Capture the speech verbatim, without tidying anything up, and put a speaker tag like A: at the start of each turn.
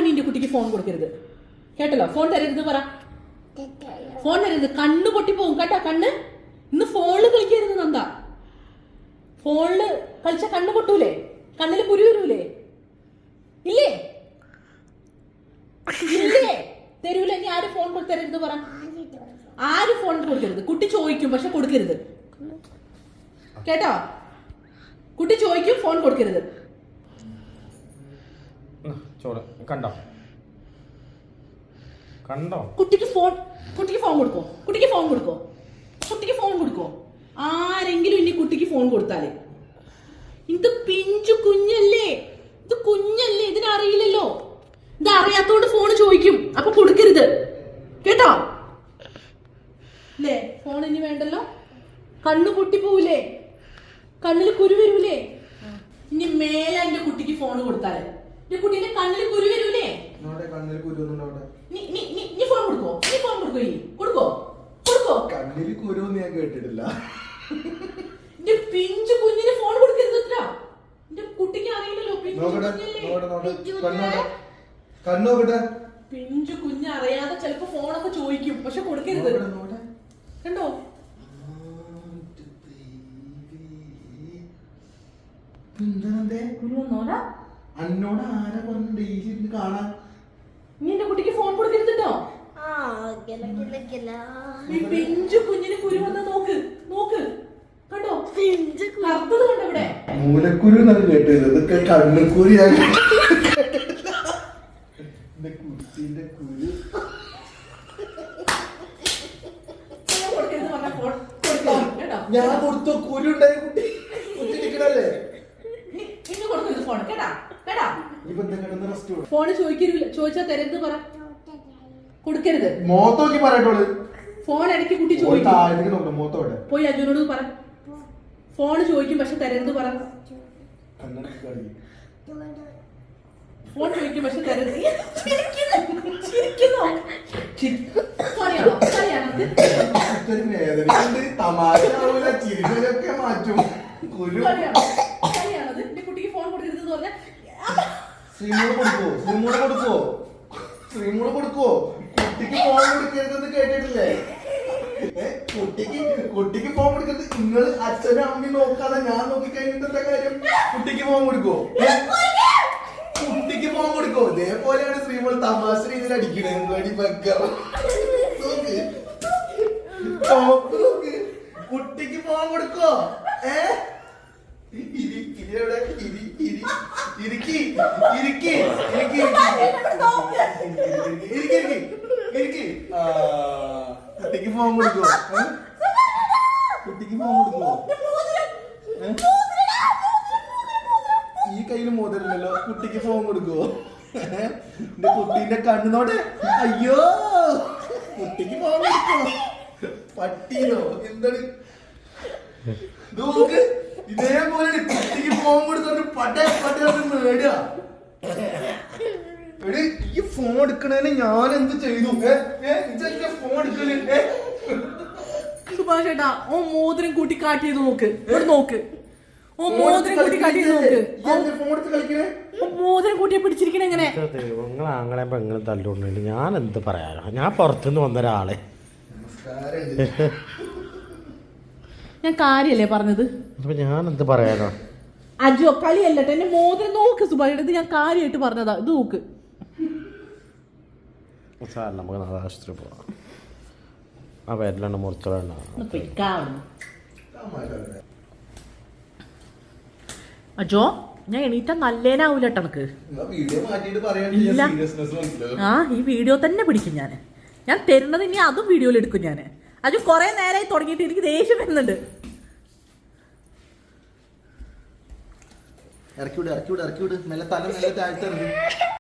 A: നിന്റെ കുട്ടിക്ക് ഫോൺ കൊടുക്കരുത് കേട്ടല്ലോ. ഫോൺ തരരുത് പറ. ഫോൺ തരരുത്, കണ്ണ് പൊട്ടി പോകും കേട്ടാ. കണ്ണ് ഇന്ന് ഫോണില് കളിക്കരുത് നന്ദ. ഫോണില് കളിച്ച കണ്ണ് പൊട്ടൂലേ? കണ്ണില് കുരു വരൂലേ? ഇല്ലേ ഇല്ലേ തരൂല. ഇനി ആര് ഫോൺ കൊടുത്തരരുത് പറ. ആര് ഫോൺ കൊടുക്കരുത്. കുട്ടി ചോദിക്കും പക്ഷെ കൊടുക്കരുത് കേട്ടോ. കുട്ടി ചോദിക്കും, ഫോൺ കൊടുക്കരുത്.
B: കണ്ടോ കണ്ടോ
A: കുട്ടിക്ക് ഫോൺ കുട്ടിക്ക് ഫോൺ കൊടുക്കോ? കുട്ടിക്ക് ഫോൺ കൊടുക്കോ? കുട്ടിക്ക് ഫോൺ കൊടുക്കോ? ആരെങ്കിലും ഇനി കുട്ടിക്ക് ഫോൺ കൊടുത്താലേ. ഇത് പിഞ്ചു കുഞ്ഞല്ലേ, ഇത് കുഞ്ഞല്ലേ, ഇതിനറിയില്ലല്ലോ. ഇത് അറിയാത്തോണ്ട് ഫോൺ ചോദിക്കും, അപ്പൊ കൊടുക്കരുത് കേട്ടോ. അല്ലേ? ഫോൺ ഇനി വേണ്ടല്ലോ. കണ്ണു പൊട്ടിപ്പോവില്ലേ? കണ്ണില് കുരു വരൂലേ? ഇനി മേലെ എന്റെ കുട്ടിക്ക് ഫോൺ കൊടുത്താലേ എന്റെ കുട്ടീന്റെ കണ്ണില് കുരു വരൂലേ? നീ ഫോൺ കൊടുക്കോ? നീ ഫോൺ കൊടുക്കോ? ഈ കൊടുക്കോ? കൊടുക്കോ?
C: കണ്ണില് കുരു ഞാൻ കേട്ടിട്ടില്ല.
A: എന്റെ പിഞ്ചു കുഞ്ഞിന് ഫോൺ കൊടുക്കരുത്. എന്റെ കുട്ടിക്ക് അറിയില്ലല്ലോ. പിഞ്ചു കുഞ്ഞ് അറിയാതെ ചിലപ്പോ ഫോണൊക്കെ ചോദിക്കും, പക്ഷെ കൊടുക്കരുത് കണ്ടോ.
C: അന്നോട് ആരാ പറഞ്ഞു ഡെയിലി കാണാൻ?
A: നീ എന്റെ കുട്ടിക്ക് ഫോൺ കൊടുക്കരുതോ. പിഞ്ചു കുഞ്ഞിന് കുരു വന്ന് നോക്ക് നോക്ക് കണ്ടോ. കറുത്തത് കണ്ടോ ഇവിടെ?
C: മൂലക്കുരു എന്നൊക്കെ കേട്ടത്, ഇതൊക്കെ കണ്ണുക്കുരു. കുട്ടിന്റെ കുരു ഞാൻ കൊടുത്തു. കുരു ഉണ്ടായി കുട്ടി കുട്ടിക്കണല്ലേ.
A: ഫോണ് ചോദിക്കരുത്. ചോദിച്ചാ തരരുത് പറ. കൊടുക്കരുത്.
C: മോത്തോക്കി പറയട്ടോള്.
A: ഫോൺ ഇടയ്ക്ക് കുട്ടി ചോദിക്കും, പോയി അജുനോട് പറ. ഫോണ് ചോദിക്കും പക്ഷെ തരരുത് പറ. ഫോൺ ചോദിക്കും പക്ഷെ തരരുത്.
C: തമാശ മാറ്റും.
A: എന്റെ കുട്ടിക്ക് ഫോൺ കൊടുക്കരുത് എന്ന് പറഞ്ഞാൽ
C: ശ്രീമൂട് കൊടുക്കോ? ശ്രീമൂട് കൊടുക്കോ? ശ്രീമൂട് കൊടുക്കോ? കുട്ടിക്ക് ഫോൺ കൊടുക്കരുതെന്ന് കേട്ടിട്ടില്ലേ? കുട്ടിക്ക് കുട്ടിക്ക് ഫോൺ കൊടുക്കരുത്. നിങ്ങൾ അച്ഛനും അമ്മയും നോക്കാതെ ഞാൻ നോക്കി കഴിഞ്ഞിട്ട് കാര്യം. കുട്ടിക്ക് ഫോൺ കൊടുക്കോ? കുട്ടിക്ക് ഫോൺ കൊടുക്കോ? ഇതേപോലെയാണ് ശ്രീമോൾ തമാശ രീതിയിൽ അടിക്കണേ. കുട്ടിക്ക് ഫോൺ കൊടുക്കോ? ഏ ഇരിവിടെ ഇരി ഇരി ഇരിക്കി ഇരിക്കി ഇരിക്കി ഇരിക്കി ഇരിക്കി. കുട്ടിക്ക് ഫോൺ കൊടുക്കോ? കുട്ടിക്ക് ഫോൺ കൊടുക്കോ? ഈ കയ്യില് മോതിരല്ലോ. കുട്ടിക്ക് ഫോൺ കൊടുക്കോ? എന്റെ കുട്ടീന്റെ കണ്ണുനോടെ. അയ്യോ, കുട്ടിക്ക് ഫോൺ കൊടുക്കോ? പട്ടീനോ എന്താണ് നോക്ക്. ഇതേപോലെ കുട്ടിക്ക് ഫോൺ കൊടുത്തോണ്ട് പട്ടേ പട്ടേ നേടുക. ഈ ഫോൺ എടുക്കണേന് ഞാൻ എന്ത് ചെയ്തു? ഫോൺ എടുക്കല്
A: സുഭാഷ് ചേട്ടാ, ഓ മോതിരം കൂട്ടി കാട്ടിയത് നോക്ക്. ഇവിടെ നോക്ക്. ഓ മോതിരം കൂട്ടി കാട്ടിയത് നോക്ക്.
C: ഫോൺ എടുത്ത് കളിക്കണേ.
A: മോതിരം കൂട്ടിയെ പിടിച്ചിരിക്കണ എങ്ങനെ?
B: അങ്ങനെ പെങ്ങളും തല്ലുകൊണ്ടിട്ട് ഞാൻ എന്ത് പറയാനോ? ഞാൻ പുറത്തുനിന്ന് വന്ന ഒരാളെ.
A: ഞാൻ കാര്യല്ലേ പറഞ്ഞത്?
B: ഞാൻ എന്ത് പറയാനോ?
A: അജോ കളിയല്ലട്ടെ. എന്റെ മോതിരം നോക്ക് സുഭാഷ്. ഇത് ഞാൻ കാര്യമായിട്ട് പറഞ്ഞതാ. ഇത് നോക്ക്.
B: സാർ നമുക്ക് നാളെ ആശുപത്രി പോവാം. ആ പേരിലാണ് മുറിച്ചോളാണ്. അജോ ഞാൻ എണീറ്റാ നല്ലേനാവൂല ടണക്ക്. ഇല്ല, ആ ഈ വീഡിയോ തന്നെ പിടിക്കും ഞാൻ. ഞാൻ തരുന്നത് ഇനി അതും വീഡിയോയിൽ എടുക്കും ഞാൻ. അജു കൊറേ നേരമായി തുടങ്ങിയിട്ട് എനിക്ക് ദേഷ്യം വരുന്നുണ്ട്.
C: ഇറക്കി വിട് ഇറക്കി വിട് ഇറക്കി വിട്. മെല്ലെ തല മെല്ലെ താഴ്ത്തെറിഞ്ഞു.